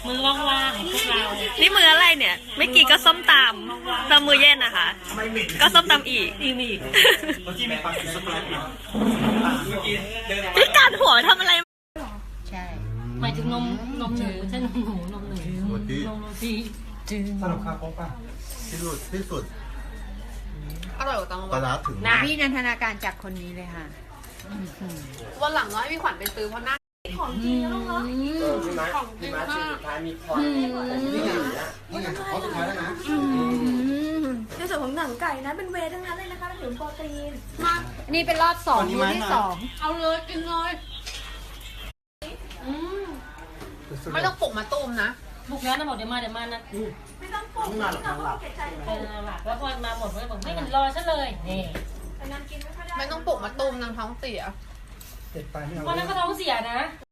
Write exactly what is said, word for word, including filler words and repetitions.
มือว่างๆพวกเรานี่มืออะไรเนี่ย ไม่กี่ก็ส้มตำตำมือเย็นนะคะ ก็ส้มตำอีกอีมีกเมื่อกี้ไม่ปักสปรายปิดเมื่อกี้เดินพี่การหัวทำอะไรใช่หมายถึงนมนมหนูใช่นมหนูนมหนูสวัสดีนมโรตีสรุปค่าครบป่ะที่สุดที่สุดอร่อยกว่าตังปลาร้าถึงนะพี่นันทนาการจากคนนี้เลยค่ะวันหลังน้อยพี่ขวัญไปซื้อเพราะหน้าของจริงนะลูกเนาะของจริงมากนี่ไงเขาสุดท้ายแล้วนะในส่วนของหนังไก่นะเป็นเวย์ทั้งนั้นเลยนะคะเป็นถึงโปรตีนมากนี่เป็นรอบสองมื้อที่สองเอาเลยกินเลยอืมไม่ต้องปลุกมาตูมนะบุกแล้วนะหมดเดี๋ยวมาเดี๋ยวมานะไม่ต้องปรุงไม่ต้องปรุงเก็บใจเออหลักแล้วพอมาหมดก็บอกไม่มันรอฉันเลยนี่แต่นางกินไม่ค่อยได้ไม่ต้องปลุกมาตูมนางท้องเสียเจ็ดไปไม่เอาวันนั้นก็ท้องเสียนะ